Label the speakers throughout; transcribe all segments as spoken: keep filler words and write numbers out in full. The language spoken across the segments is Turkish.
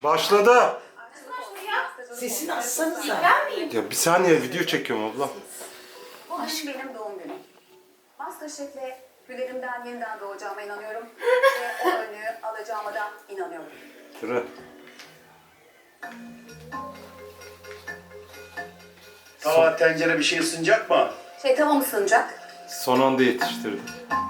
Speaker 1: Başladı.
Speaker 2: Sesini açsanıza.
Speaker 3: Ben miyim?
Speaker 1: Ya bir saniye video çekiyorum abla.
Speaker 3: Bugün benim doğum günüm. Masterchef'le hülerimden yeniden doğacağıma inanıyorum. Ve o önlüğü alacağıma da inanıyorum.
Speaker 1: Tıra.
Speaker 4: Tava, tencere bir şey ısınacak mı?
Speaker 3: Şey tava mı sığınacak?
Speaker 1: Son anda yetiştirdim.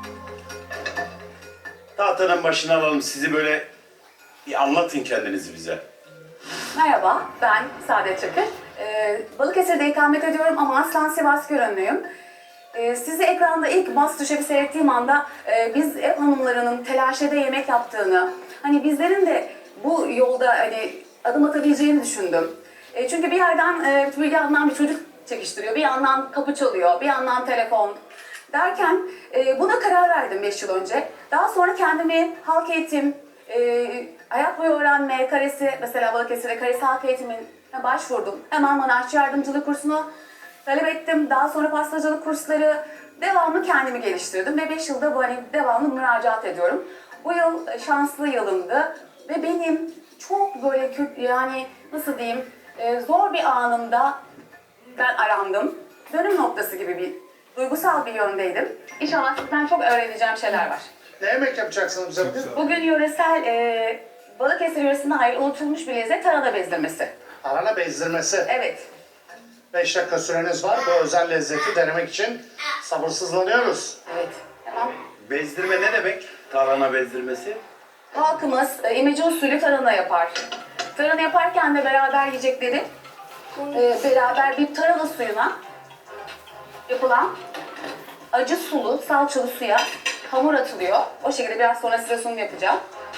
Speaker 4: Tahtanın başına alalım sizi böyle bir anlatın kendinizi bize.
Speaker 3: Merhaba, ben Saadet Çakır. Ee, Balıkesir'de ikamet ediyorum ama aslen Sivas Körönlüyüm. Ee, sizi ekranda ilk Masterchef'i seyrettiğim anda e, biz ev hanımlarının telaşede yemek yaptığını, hani bizlerin de bu yolda hani adım atabileceğini düşündüm. E, çünkü bir yerden e, bir yandan bir çocuk çekiştiriyor, bir yandan kapı çalıyor, bir yandan telefon derken e, buna karar verdim beş yıl önce. Daha sonra kendimi halk eğitim, e, hayat boyu öğrenme, karesi, mesela Balıkesir'de karesi halk eğitimine başvurdum. Hemen manavçı yardımcılık kursunu talep ettim. Daha sonra pastacılık kursları, devamlı kendimi geliştirdim ve beş yılda bu hani devamlı müracaat ediyorum. Bu yıl e, şanslı yılımdı ve benim çok böyle kötü, yani nasıl diyeyim, e, zor bir anımda ben arandım. Dönüm noktası gibi bir duygusal bir yöndeydim. İnşallah sizden çok öğreneceğim şeyler var.
Speaker 2: Ne yemek yapacaksınız bize bugün?
Speaker 3: Bugün yöresel, e, Balıkesir yöresinde hayır unutulmuş bir lezzet, tarhana bezdirmesi.
Speaker 2: Tarhana bezdirmesi.
Speaker 3: Evet.
Speaker 2: beş dakika süreniz var. Bu özel lezzeti denemek için sabırsızlanıyoruz.
Speaker 3: Evet. Tamam.
Speaker 4: Bezdirme ne demek? Tarhana bezdirmesi.
Speaker 3: Halkımız e, imece usulü tarhana yapar. Tarhana yaparken de beraber yiyecekleri e, beraber bir tarhana suyuna yapılan acı sulu, salçalı suya hamur atılıyor. O şekilde biraz sonra size sunum yapacağım.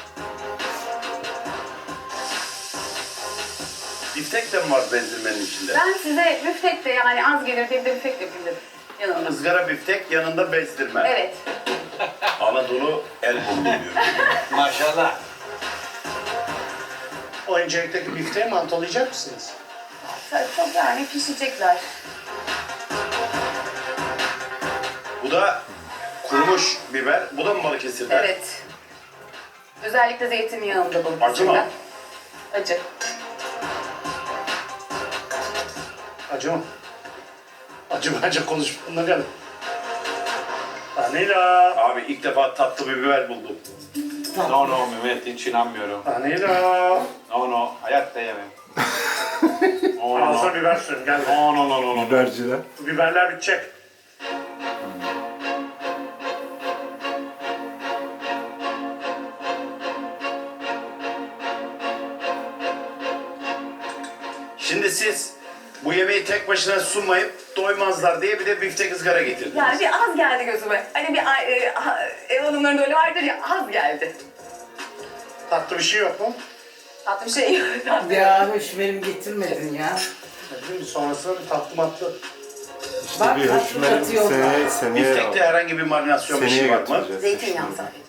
Speaker 4: Biftek de mi var bezdirmenin içinde?
Speaker 3: Ben size büftek de, yani az gelir diye bir de büftek yapayım dedim yanımda.
Speaker 4: Izgara biftek yanında bezdirme.
Speaker 3: Evet.
Speaker 4: Anadolu el buldu diyor.
Speaker 5: Maşallah.
Speaker 2: O incelikteki bifteyi mantolayacak mısınız?
Speaker 3: Çok yani pişecekler.
Speaker 4: Bu da kurumuş biber. Bu da mı Balıkesir'den?
Speaker 3: Evet. Özellikle zeytinyağında bu.
Speaker 4: Acı mı?
Speaker 3: Acı.
Speaker 2: Acı mı? Acı bence konuşmanına gelin. Vanila.
Speaker 4: Abi ilk defa tatlı bir biber buldum.
Speaker 5: No no Mehmet hiç inanmıyorum.
Speaker 2: Vanila.
Speaker 5: No no hayatta yemem. No no
Speaker 2: Ağzına
Speaker 5: no.
Speaker 2: biber sürün gel.
Speaker 5: No no no no no.
Speaker 1: Biberciler.
Speaker 2: Bu biberler bitecek.
Speaker 4: Şimdi siz bu yemeği tek başına sunmayıp doymazlar diye bir de biftek ızgara getirdiniz.
Speaker 3: Yani bir az geldi gözüme. Hani bir e, ha- ev hanımlarında öyle vardır ya, az geldi.
Speaker 2: Tatlı bir şey yok mu?
Speaker 3: Tatlı bir şey yok. Tatlı.
Speaker 6: Ya hoş benim getirmedin ya.
Speaker 2: Ne bileyim sonrasında bir tatlı matlı.
Speaker 1: İşte
Speaker 6: Bak,
Speaker 1: bir
Speaker 6: tatlı
Speaker 1: hükümet
Speaker 6: katıyorlar.
Speaker 1: seneye, seneye,
Speaker 4: Biftekte herhangi bir marinasyon bir
Speaker 1: seneye
Speaker 4: şey var mı?
Speaker 1: götüreceğiz.
Speaker 3: Zeytinyağı
Speaker 1: Şimdi.
Speaker 3: sadece.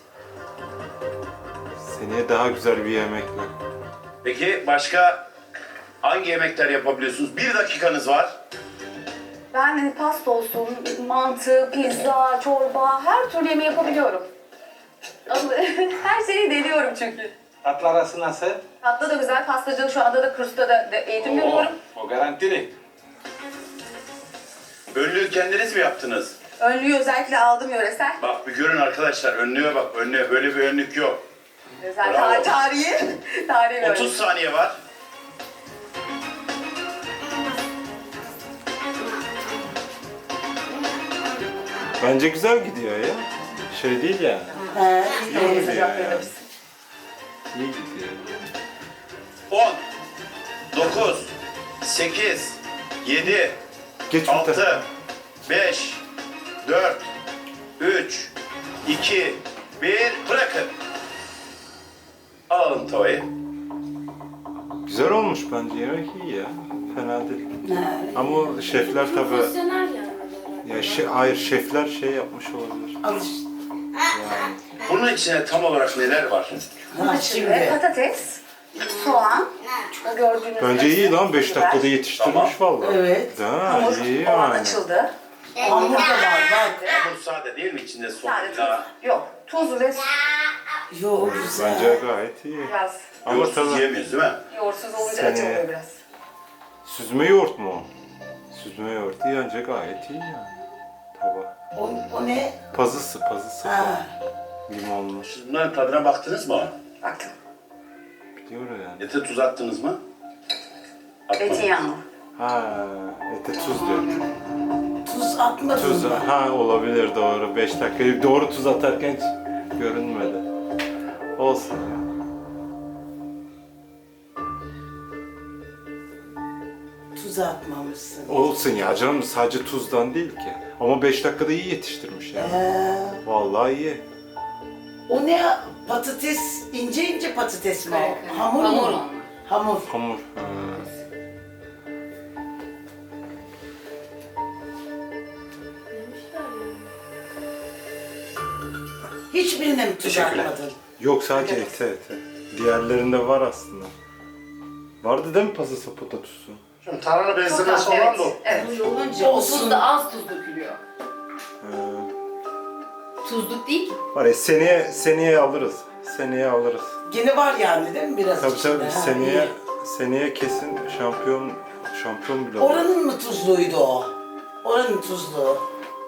Speaker 1: Seneye daha güzel bir yemekle.
Speaker 4: Peki başka hangi yemekler yapabiliyorsunuz? Bir dakikanız var.
Speaker 3: Ben hani pasta olsun, mantı, pizza, çorba, her türlü yemeği yapabiliyorum. Ama her şeyi deniyorum çünkü.
Speaker 5: Tatlı arası nasıl?
Speaker 3: Tatlı da güzel, pastacılık şu anda da kursta da da eğitim görüyorum.
Speaker 5: O garantili.
Speaker 4: Önlüğü kendiniz mi yaptınız?
Speaker 3: Önlüğü özellikle aldım yöresel.
Speaker 4: Bak bir görün arkadaşlar, önlüğe bak, önlüğe böyle bir önlük yok.
Speaker 3: Özel
Speaker 4: Bravo.
Speaker 3: tar- tarihi. Tarihi bir önlük.
Speaker 4: otuz saniye var.
Speaker 1: Bence güzel gidiyor ya. Şey değil yani.
Speaker 6: He,
Speaker 1: İyi gidiyor
Speaker 3: Sıcak
Speaker 1: yani.
Speaker 3: veririz.
Speaker 1: İyi gidiyor.
Speaker 4: on, dokuz, sekiz, yedi,
Speaker 1: Geç bu tarafa.
Speaker 4: altı, beş, dört, üç, iki, bir, bırakın. Alalım tavayı.
Speaker 1: Güzel olmuş bence, yemek iyi ya. Fena değil. Ama şefler tabi,
Speaker 7: Profesyonel yani.
Speaker 1: ya şey, hayır şefler şey yapmış olabilir.
Speaker 6: al işte.
Speaker 1: Yani
Speaker 4: Bunun içine tam olarak neler var?
Speaker 6: Ha
Speaker 3: Ve
Speaker 6: şimdi.
Speaker 3: patates, soğan, o gördüğünüz
Speaker 1: bence iyi lan, beş
Speaker 3: biber,
Speaker 1: dakikada yetiştirmiş vallahi.
Speaker 6: Evet.
Speaker 1: Ha,
Speaker 3: hamur
Speaker 1: iyi
Speaker 3: o an
Speaker 1: yani.
Speaker 3: açıldı.
Speaker 6: Hamur da var bak.
Speaker 4: Hamur sade değil mi içinde
Speaker 3: Sadece
Speaker 4: soğanla?
Speaker 3: tuz. Yok, tuz ve
Speaker 6: Yo güzel.
Speaker 1: Bence gayet iyi.
Speaker 3: biraz
Speaker 1: Ama
Speaker 4: Yoğurtsuz
Speaker 1: tabii
Speaker 4: yiyemeyiz değil mi?
Speaker 3: Yoğurtsuz olunca
Speaker 1: Seni-
Speaker 3: acı oluyor biraz.
Speaker 1: süzme yoğurt mu o? Süzme yoğurt yiyince gayet iyi yani. Tava.
Speaker 6: O, o ne?
Speaker 1: Pazısı, pazısı.
Speaker 6: Ha.
Speaker 1: Limonlu.
Speaker 4: Siz bunların tadına baktınız mı?
Speaker 3: Baktım.
Speaker 1: Biliyor yani.
Speaker 4: Ete tuz attınız mı? Atmadınız.
Speaker 3: Zeytinyağlı.
Speaker 1: Ha, ete tuz diyor.
Speaker 6: Tuz atmadın
Speaker 1: Tuz,
Speaker 6: mı?
Speaker 1: ha olabilir doğru. beş dakika. Doğru tuz atarken hiç görünmedi. Olsun ya.
Speaker 6: Tuz atmamışsın.
Speaker 1: Olsun ya canım, sadece tuzdan değil ki. Ama beş dakikada iyi yetiştirmiş yani.
Speaker 6: Ee,
Speaker 1: Vallahi iyi.
Speaker 6: o ne? Patates, ince ince patates mi
Speaker 3: Evet,
Speaker 6: o?
Speaker 3: evet.
Speaker 6: Hamur
Speaker 3: Hamur
Speaker 6: mu?
Speaker 3: onlar.
Speaker 6: Hamur.
Speaker 1: Hamur. Ha.
Speaker 6: Hiçbirine mi tuz
Speaker 4: Teşekkürler.
Speaker 6: atmadın?
Speaker 1: Yok sadece ete ete. Diğerlerinde var aslında. Vardı değil mi pazısı patatusu?
Speaker 2: Şimdi tarhana
Speaker 3: Çok
Speaker 2: bezdirmesi
Speaker 3: az,
Speaker 2: olan
Speaker 3: evet.
Speaker 2: bu.
Speaker 3: Evet.
Speaker 7: Öyle olunca o tuz da az tuz dökülüyor.
Speaker 1: Ha.
Speaker 7: Tuzluk değil ki.
Speaker 1: Var ya seneye, seneye alırız. Seneye alırız.
Speaker 6: Gene var yani değil mi biraz
Speaker 1: Tabii
Speaker 6: içinde?
Speaker 1: tabii
Speaker 6: Ha,
Speaker 1: seneye,
Speaker 6: iyi.
Speaker 1: seneye kesin şampiyon şampiyon bile olur.
Speaker 6: Oranın mı tuzluydu o? Oranın tuzluğu.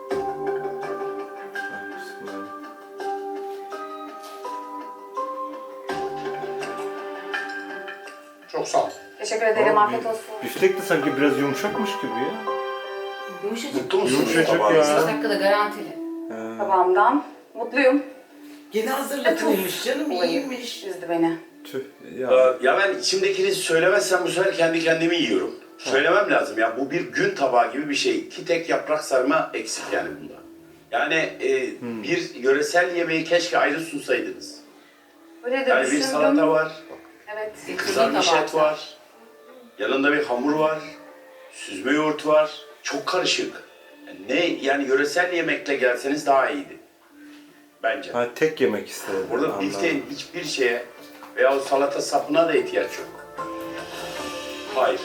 Speaker 2: Çok sağ ol.
Speaker 3: Teşekkür ederim.
Speaker 1: Ama
Speaker 3: Afiyet
Speaker 1: bi-
Speaker 3: olsun.
Speaker 1: Biftek de sanki biraz yumuşakmış gibi ya.
Speaker 7: Yumuşacık.
Speaker 4: Mutlu musunuz
Speaker 1: Yumuşacık
Speaker 4: tabağınızda?
Speaker 1: ya.
Speaker 7: beş dakikada garantili.
Speaker 1: Ha.
Speaker 3: Tabağımdan mutluyum.
Speaker 6: Gene hazırlatılmış canım,
Speaker 3: Olayı
Speaker 6: iyiymiş.
Speaker 3: üzdü beni.
Speaker 1: Tüh ya.
Speaker 4: Ee, Ya ben içimdekini söylemezsem bu sefer kendi kendimi yiyorum. Söylemem lazım ya, bu bir gün tabağı gibi bir şey. İki tek yaprak sarma eksik yani bunda. Yani e, bir yöresel yemeği keşke ayrı sunsaydınız.
Speaker 3: Öyle de
Speaker 4: Yani bir
Speaker 3: düşündüm.
Speaker 4: salata var,
Speaker 3: Evet.
Speaker 4: kızarmış et var, yanında bir hamur var, süzme yoğurt var. Çok karışık. Yani ne yani yöresel yemekle gelseniz daha iyiydi. Bence.
Speaker 1: Ha, tek yemek istedim.
Speaker 4: Burada
Speaker 1: Anladım.
Speaker 4: bifteğin hiçbir şeye veya o salata sapına da ihtiyaç yok. Hayır.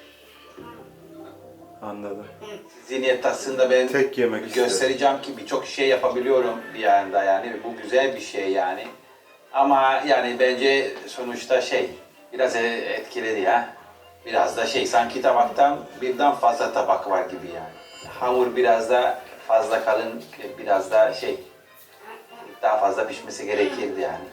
Speaker 1: Anladım.
Speaker 5: Zihniyet aslında ben
Speaker 1: Tek yemek istedim.
Speaker 5: göstereceğim ki birçok şey yapabiliyorum bir yanda yani bu güzel bir şey yani. Ama yani bence sonuçta şey biraz e- etkiledi ya. Biraz da şey sanki tabaktan birden fazla tabak var gibi yani. Hamur biraz da fazla kalın, biraz da şey daha fazla pişmesi gerekirdi yani.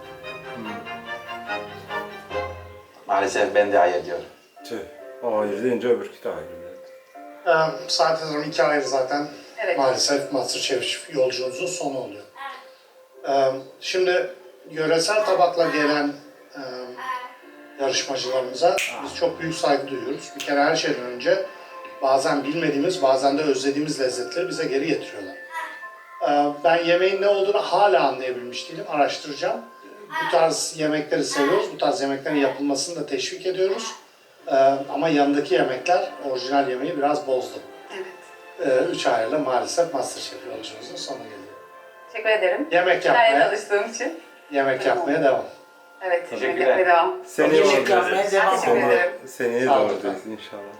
Speaker 5: Maalesef ben de hayır diyorum.
Speaker 1: Tüh. O ayrı deyince öbürkü de ayrı.
Speaker 2: Ee, Saat Hanım iki aydır zaten
Speaker 3: Evet.
Speaker 2: maalesef MasterChef yolculuğumuzun sonu oluyor. Ee, şimdi yöresel tabakla gelen e, yarışmacılarımıza biz çok büyük saygı duyuyoruz. Bir kere her şeyden önce bazen bilmediğimiz, bazen de özlediğimiz lezzetleri bize geri getiriyorlar. Ee, ben yemeğin ne olduğunu hala anlayabilmiş değilim, araştıracağım. Bu tarz yemekleri seviyoruz, bu tarz yemeklerin yapılmasını da teşvik ediyoruz. Ee, ama yanındaki yemekler orijinal yemeği biraz bozdu.
Speaker 3: Evet.
Speaker 2: Ee, üç ayla maalesef MasterChef yolculuğumuzun sonuna geliyor.
Speaker 3: Teşekkür ederim.
Speaker 2: Yemek
Speaker 3: Hikayeye
Speaker 2: yapmaya,
Speaker 3: çalıştığım için.
Speaker 2: yemek yapmaya devam.
Speaker 3: Evet.
Speaker 5: Teşekkürler.
Speaker 3: Yemek yapmaya devam.
Speaker 1: Seneye
Speaker 6: Yemek
Speaker 1: olacağız.
Speaker 6: yapmaya devam.
Speaker 3: Teşekkür
Speaker 1: Sonra,
Speaker 3: ederim.
Speaker 1: seneye
Speaker 2: Sağ olun.
Speaker 1: doğrayacağız inşallah.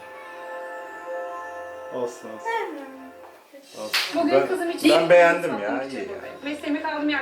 Speaker 1: Olsun olsun. olsun.
Speaker 7: Bugün
Speaker 1: Ben,
Speaker 7: kızım için
Speaker 1: ben beğendim ya.
Speaker 7: satmak
Speaker 1: iyi
Speaker 7: için
Speaker 1: ya.
Speaker 7: buradayım. Mesleğimi kaldım yer.